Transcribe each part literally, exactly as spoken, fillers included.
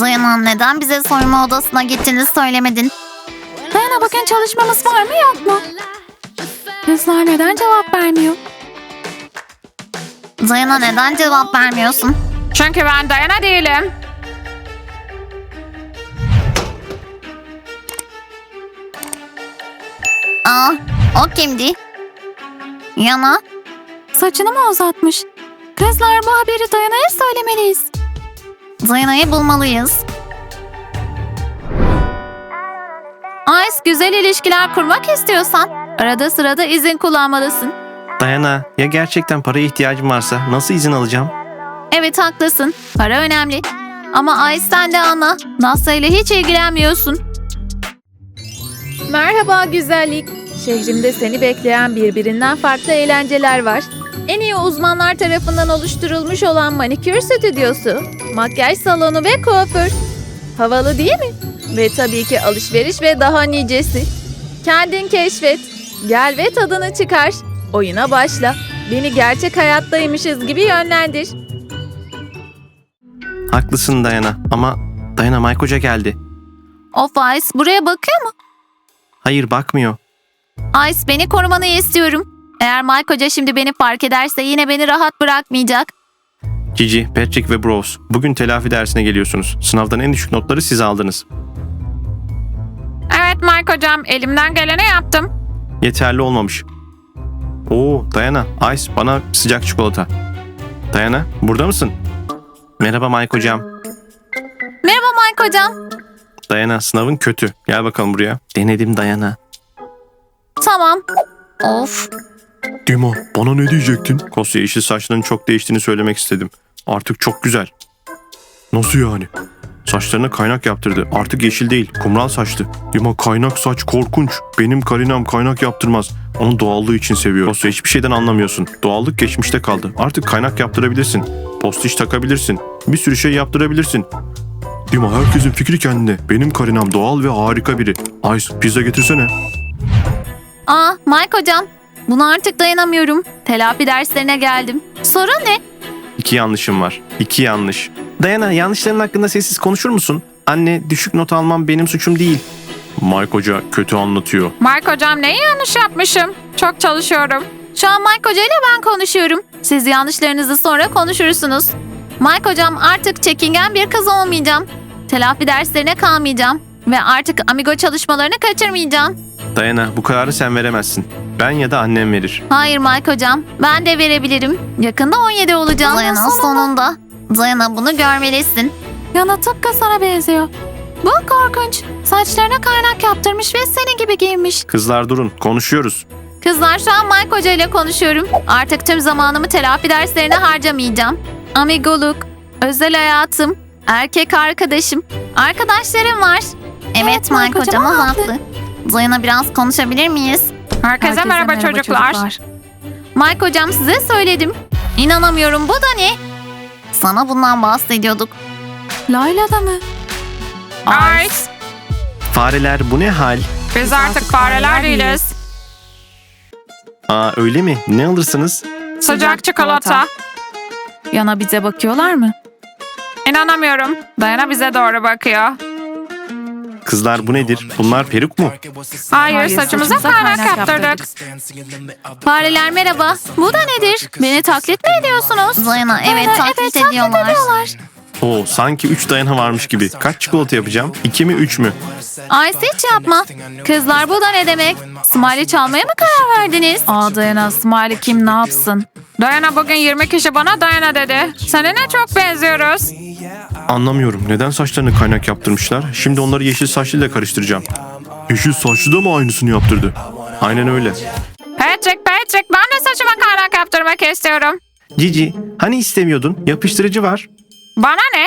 Dayana, neden bize soyunma odasına gittiğini söylemedin? Dayana, bugün çalışmamız var mı yok mu? Kızlar neden cevap vermiyor? Dayana, neden cevap vermiyorsun? Çünkü ben Dayana değilim. Aa, o kimdi? Yana, Saçını mı uzatmış? Kızlar, bu haberi Dayana'ya söylemeliyiz. Dayana'yı bulmalıyız. Ice, güzel ilişkiler kurmak istiyorsan arada sırada izin kullanmalısın. Dayana, ya gerçekten paraya ihtiyacım varsa nasıl izin alacağım? Evet, haklısın. Para önemli. Ama Ice, sen de anla. Nasya ile hiç ilgilenmiyorsun. Merhaba güzellik. Şehrimde seni bekleyen birbirinden farklı eğlenceler var. En iyi uzmanlar tarafından oluşturulmuş olan manikür stüdyosu, makyaj salonu ve kuaför. Havalı değil mi? Ve tabii ki alışveriş ve daha nicesi. Kendin keşfet. Gel ve tadını çıkar. Oyuna başla. Beni gerçek hayattaymışız gibi yönlendir. Haklısın Dayana ama Dayana, Mike Hoca geldi. Of Ice, buraya bakıyor mu? Hayır, bakmıyor. Ice, beni korumanı istiyorum. Eğer Mike Hoca şimdi beni fark ederse yine beni rahat bırakmayacak. Gigi, Patrick ve Bros, bugün telafi dersine geliyorsunuz. Sınavdan en düşük notları siz aldınız. Evet Mike Hocam, elimden geleni yaptım. Yeterli olmamış. Oo, Dayana, Ice, bana sıcak çikolata. Dayana, burada mısın? Merhaba Mike Hocam. Merhaba Mike Hocam. Dayana, sınavın kötü. Gel bakalım buraya. Denedim Dayana. Tamam. Of, Dima, bana ne diyecektin? Kosya, yeşil saçlarının çok değiştiğini söylemek istedim. Artık çok güzel. Nasıl yani? Saçlarına kaynak yaptırdı. Artık yeşil değil, kumral saçlı. Dima, kaynak saç korkunç. Benim Karinam kaynak yaptırmaz. Onun doğallığı için seviyor. Kosya, hiçbir şeyden anlamıyorsun. Doğallık geçmişte kaldı. Artık kaynak yaptırabilirsin. Postiş takabilirsin. Bir sürü şey yaptırabilirsin. Dima, herkesin fikri kendine. Benim Karinam doğal ve harika biri. Ice, pizza getirsene. Aa Mike Hocam, buna artık dayanamıyorum. Telafi derslerine geldim. Sorun ne? İki yanlışım var. İki yanlış. Dayana, yanlışların hakkında sessiz konuşur musun? Anne, düşük not almam benim suçum değil. Mike Hoca kötü anlatıyor. Mike Hocam, neyi yanlış yapmışım? Çok çalışıyorum. Şu an Mike Hoca ile ben konuşuyorum. Siz yanlışlarınızı sonra konuşursunuz. Mike Hocam, artık çekingen bir kız olmayacağım. Telafi derslerine kalmayacağım. Ve artık amigo çalışmalarını kaçırmayacağım. Dayana, bu kararı sen veremezsin. Ben ya da annem verir. Hayır Mike Hocam, ben de verebilirim. Yakında on yedi olacağım. Dayana sonunda. Dayana, bunu görmelisin. Yana tıpkı sana benziyor. Bu korkunç. Saçlarına kaynak yaptırmış ve senin gibi giyinmiş. Kızlar durun, konuşuyoruz. Kızlar, şu an Mike Hoca ile konuşuyorum. Artık tüm zamanımı telafi derslerine harcamayacağım. Amigoluk, özel hayatım, erkek arkadaşım, arkadaşlarım var. Evet, Mike hocam haklı. Dayana, biraz konuşabilir miyiz? Herkese, merhaba, çocuklar. Mike Hocam, size söyledim. İnanamıyorum, bu da ne? Sana bundan bahsediyorduk. Layla da mı? Ice, Fareler, bu ne hal? biz artık fareler değiliz. Aa, öyle mi? Ne alırsınız? Sıcak çikolata. Yana bize bakıyorlar mı? İnanamıyorum. Dayana bize doğru bakıyor. Kızlar, bu nedir? Bunlar peruk mu? Hayır, Hayır, saçımıza saçımıza kaynak kaynak yaptırdık. Fareler merhaba. Bu da nedir? Beni taklit mi ediyorsunuz? Dayana, evet, Dayana, taklit ediyorlar. ediyorlar. Oo, sanki üç Dayana varmış gibi. Kaç çikolata yapacağım? İki mi, üç mü? Ice, hiç yapma. Kızlar, bu da ne demek? Smiley çalmaya mı karar verdiniz? Aa Dayana, Smiley kim ne yapsın? Dayana, bugün yirmi kişi bana Dayana dedi. Seninle çok benziyoruz. Anlamıyorum. Neden saçlarını kaynak yaptırmışlar? Şimdi onları yeşil saçlıyla karıştıracağım. Yeşil saçlı da mı aynısını yaptırdı? Aynen öyle. Patrick, Patrick, ben de saçıma kaynak yaptırmak istiyorum. Cici, hani istemiyordun? Yapıştırıcı var. Bana ne?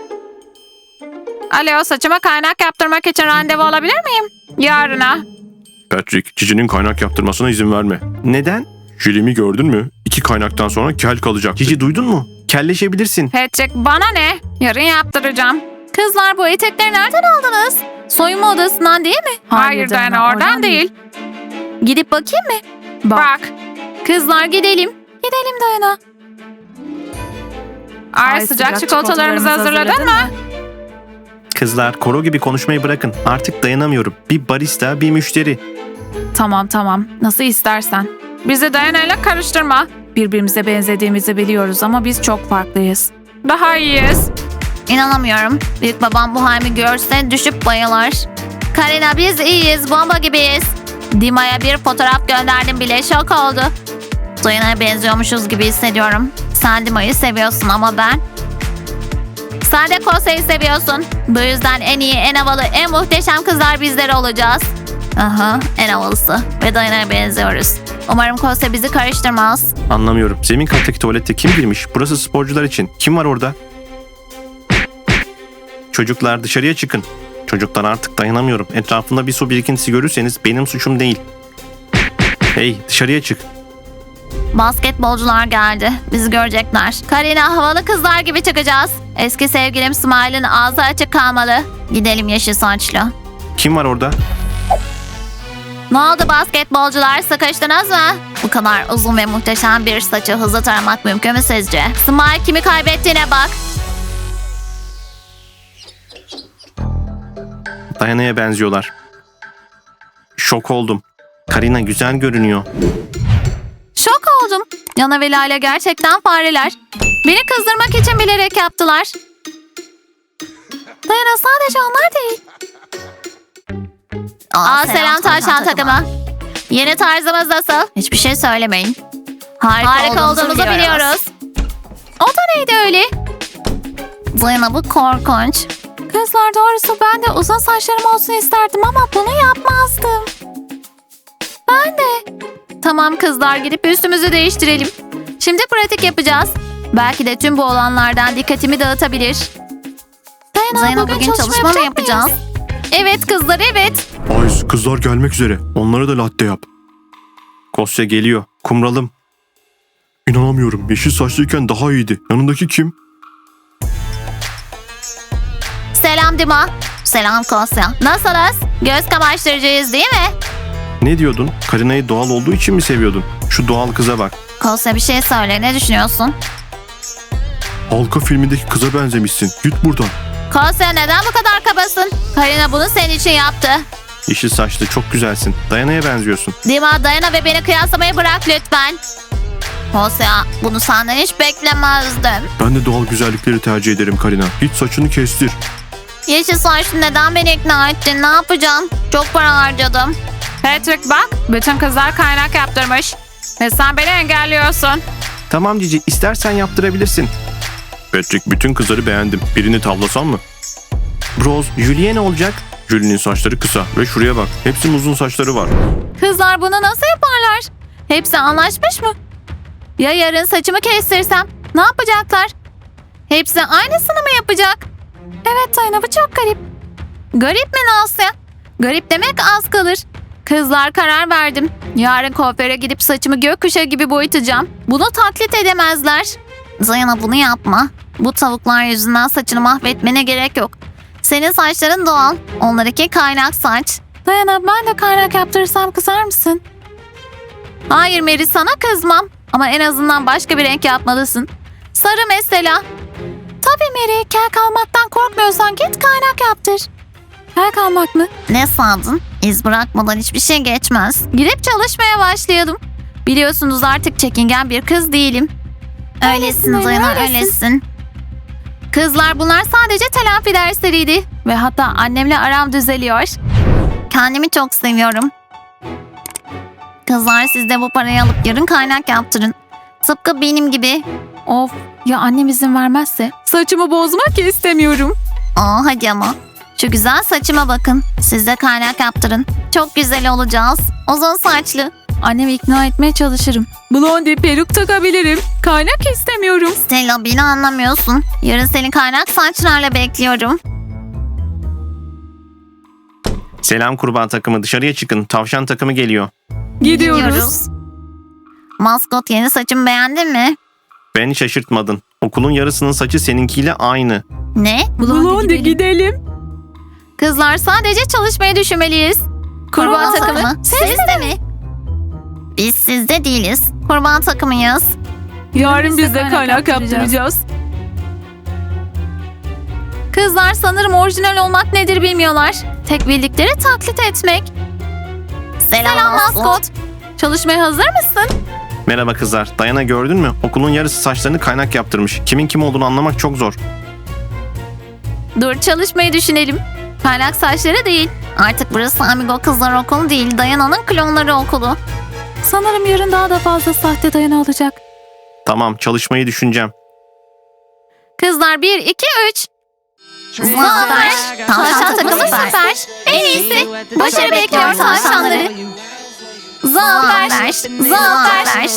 Alo, saçıma kaynak yaptırmak için randevu alabilir miyim? Yarına. Patrick, Cici'nin kaynak yaptırmasına izin verme. Neden? Jülimi gördün mü? İki kaynaktan sonra kel kalacak. Cici, duydun mu? Kelleşebilirsin. Patrick, bana ne? Yarın yaptıracağım. Kızlar, bu etekleri nereden aldınız? Soyunma odasından değil mi? Hayır Dayana, oradan değil. Gidip bakayım mı? Bak. Kızlar, gidelim. Gidelim Dayana. Ay, sıcak çikolatalarımızı hazırladın mı? Kızlar koro gibi konuşmayı bırakın. Artık dayanamıyorum. Bir barista, bir müşteri. Tamam tamam. Nasıl istersen. Bizi Dayana'yla karıştırma. Birbirimize benzediğimizi biliyoruz ama biz çok farklıyız. Daha iyiyiz. İnanamıyorum. Büyük babam bu halimi görse düşüp bayılır. Karina biz iyiyiz, bomba gibiyiz. Dima'ya bir fotoğraf gönderdim bile, şok oldu. Dayana'ya benziyormuşuz gibi hissediyorum. Sen Dima'yı seviyorsun ama ben... Sen de Kose'yi seviyorsun. Bu yüzden en iyi, en havalı, en muhteşem kızlar bizler olacağız. Aha, en havalısı. Ve Dayana'ya benziyoruz. Umarım Kose bizi karıştırmaz. Anlamıyorum. Zemin kattaki tuvalette kim girmiş? Burası sporcular için. Kim var orada? Çocuklar dışarıya çıkın. Çocuklar artık dayanamıyorum. Etrafında bir su birikintisi görürseniz benim suçum değil. Hey dışarıya çık. Basketbolcular geldi. Bizi görecekler. Karina, havalı kızlar gibi çıkacağız. Eski sevgilim Smile'ın ağzı açık kalmalı. Gidelim yeşil saçlı. Kim var orada? Ne oldu basketbolcular, sıkıştınız mı? Bu kadar uzun ve muhteşem bir saçı hızlı taramak mümkün mü sizce? Smile kimi kaybettiğine bak. Dayana'ya benziyorlar. Şok oldum. Karina güzel görünüyor. Şok oldum. Yana ve Lale gerçekten fareler. Beni kızdırmak için bilerek yaptılar. Dayana, sadece onlar değil. Aa, selam tavşan takımı. Yeni tarzımız nasıl? Hiçbir şey söylemeyin. Harika, Harika olduğumuzu, olduğumuzu biliyoruz. biliyoruz. O da neydi öyle? Dayana, bu korkunç. Kızlar, doğrusu ben de uzun saçlarım olsun isterdim ama bunu yapmazdım. Ben de. Tamam kızlar, gidip üstümüzü değiştirelim. Şimdi pratik yapacağız. Belki de tüm bu olanlardan dikkatimi dağıtabilir. Dayana, Dayana bugün, bugün çalışma, çalışma mı yapacağız? Mıyız? Evet kızlar, evet. Ayz, kızlar gelmek üzere. Onlara da latte yap. Kosya geliyor. Kumralım. İnanamıyorum. Yeşil saçlıyken daha iyiydi. Yanındaki kim? Selam Dima. Selam Kosya. Nasılsınız? Göz kamaştırıcıyız değil mi? Ne diyordun? Karina'yı doğal olduğu için mi seviyordun? Şu doğal kıza bak. Kosya, bir şey söyle. Ne düşünüyorsun? Halka filmindeki kıza benzemişsin. Git buradan. Kosya, neden bu kadar kabasın? Karina bunu senin için yaptı. Yeşil saçlı çok güzelsin. Dayana'ya benziyorsun. Dima, Dayana ve beni kıyaslamayı bırak lütfen. Kosya, bunu senden hiç beklemezdim. Ben de doğal güzellikleri tercih ederim Karina. Git saçını kestir. Yeşil saçlı, neden beni ikna ettin? Ne yapacağım? Çok para harcadım. Patrick bak, bütün kızlar kaynak yaptırmış. Ve sen beni engelliyorsun. Tamam Cici, istersen yaptırabilirsin. Patrick, bütün kızları beğendim. Birini tavlasam mı? Bros, Julie'ye ne olacak? Julie'nin saçları kısa ve şuraya bak. Hepsinin uzun saçları var. Kızlar bunu nasıl yaparlar? Hepsi anlaşmış mı? Ya yarın saçımı kestirsem? Ne yapacaklar? Hepsi aynısını mı yapacak? Evet Dayana, bu çok garip. Garip mi Nasya? Garip demek az kalır. Kızlar, karar verdim. Yarın kuaföre gidip saçımı gökkuşağı gibi boyatacağım. Bunu taklit edemezler. Dayana, bunu yapma. Bu tavuklar yüzünden saçını mahvetmene gerek yok. Senin saçların doğal. Onlarınki kaynak saç. Dayana, ben de kaynak yaptırırsam kızar mısın? Hayır Mary, sana kızmam. Ama en azından başka bir renk yapmalısın. Sarı mesela. Tabii Mary, kel kalmaktan korkmuyorsan git kaynak yaptır. Kel kalmak mı? Ne sandın? İz bırakmadan hiçbir şey geçmez. Girip çalışmaya başlayalım. Biliyorsunuz artık çekingen bir kız değilim. Öylesin Öylesin, Dayana, öylesin. öylesin. Kızlar, bunlar sadece telafi dersleriydi. Ve hatta annemle aram düzeliyor. Kendimi çok seviyorum. Kızlar, siz de bu parayı alıp yarın kaynak yaptırın. Tıpkı benim gibi. Of, ya annem izin vermezse? Saçımı bozmak istemiyorum. Aa, hadi ama. Şu güzel saçıma bakın. Siz de kaynak yaptırın. Çok güzel olacağız. Uzun saçlı. Annemi ikna etmeye çalışırım. Blondie peruk takabilirim. Kaynak istemiyorum. Stella, beni anlamıyorsun. Yarın seni kaynak saçlarla bekliyorum. Selam kurban takımı, dışarıya çıkın. Tavşan takımı geliyor. Gidiyoruz. Maskot, yeni saçımı beğendin mi? Beni şaşırtmadın. Okulun yarısının saçı seninkiyle aynı. Ne? Blondie gidelim. Kızlar, sadece çalışmayı düşünmeliyiz. Kurban, Kurban takımı. takımı. Siz de mi? Biz sizde değiliz. Kurban takımıyız. Yarın biz de kaynak yaptıracağız. Kızlar sanırım orijinal olmak nedir bilmiyorlar. Tek bildikleri taklit etmek. Selam, maskot. Çalışmaya hazır mısın? Merhaba kızlar. Dayana gördün mü? Okulun yarısı saçlarını kaynak yaptırmış. Kimin kim olduğunu anlamak çok zor. Dur çalışmayı düşünelim. Parlak saçları değil. Artık burası Amigo Kızlar Okulu değil, Dayana'nın klonları okulu. Sanırım yarın daha da fazla sahte Dayana olacak. Tamam, çalışmayı düşüneceğim. Kızlar bir, iki, üç. Zafer, tavşan takımı süper. En iyisi. Başarı bekliyor tavşanları. Zafer, Zafer.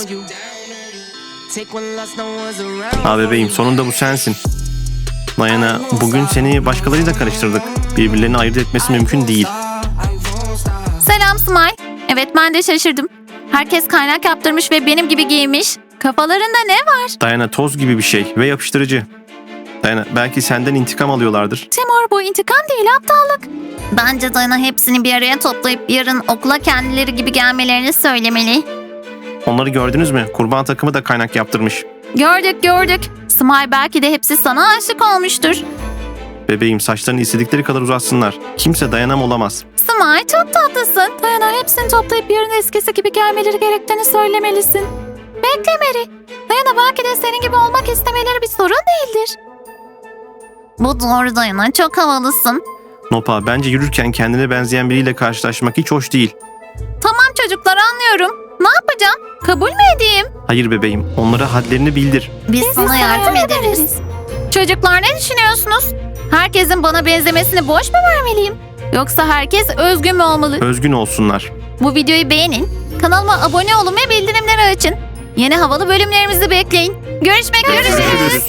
Ha bebeğim, sonunda bu sensin. Dayana, bugün seni başkalarıyla karıştırdık. Birbirlerini ayırt etmesi mümkün değil. Selam Smile. Evet ben de şaşırdım. Herkes kaynak yaptırmış ve benim gibi giymiş. Kafalarında ne var? Dayana toz gibi bir şey ve yapıştırıcı. Dayana, belki senden intikam alıyorlardır. Timur bu intikam değil aptallık. Bence Dayana hepsini bir araya toplayıp yarın okula kendileri gibi gelmelerini söylemeli. Onları gördünüz mü? Kurban takımı da kaynak yaptırmış. Gördük gördük. Smile belki de hepsi sana aşık olmuştur. Bebeğim, saçlarını istedikleri kadar uzatsınlar. Kimse dayanam olamaz. Smile çok tatlısın. Dayana hepsini toplayıp yarın eskisi gibi gelmeleri gerektiğini söylemelisin. Bekle Mary. Dayana belki de senin gibi olmak istemeleri bir sorun değildir. Bu doğru Dayana, çok havalısın. Nopa, bence yürürken kendine benzeyen biriyle karşılaşmak hiç hoş değil. Tamam çocuklar anlıyorum. Ne yapacağım? Kabul mü edeyim? Hayır bebeğim, onlara hadlerini bildir. Biz, sana yardım ederiz. Çocuklar ne düşünüyorsunuz? Herkesin bana benzemesini boş mu vermeliyim? Yoksa herkes özgün mü olmalı? Özgün olsunlar. Bu videoyu beğenin, kanalıma abone olun ve bildirimleri açın. Yeni havalı bölümlerimizi bekleyin. Görüşmek üzere. Görüşürüz.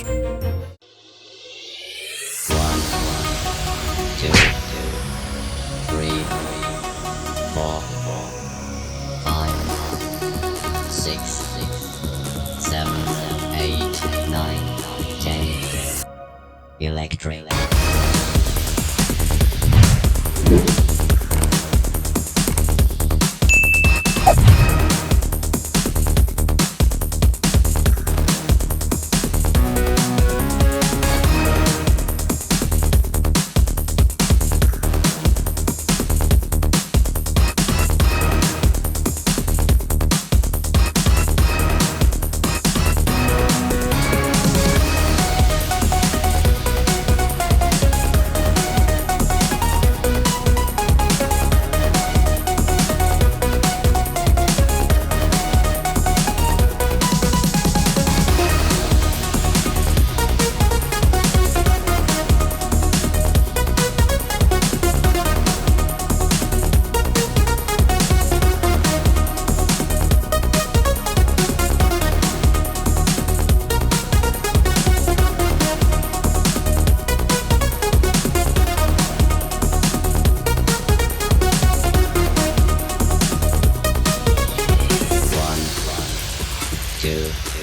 two, three, four, five, six, seven, eight, nine, ten. Electric. Two.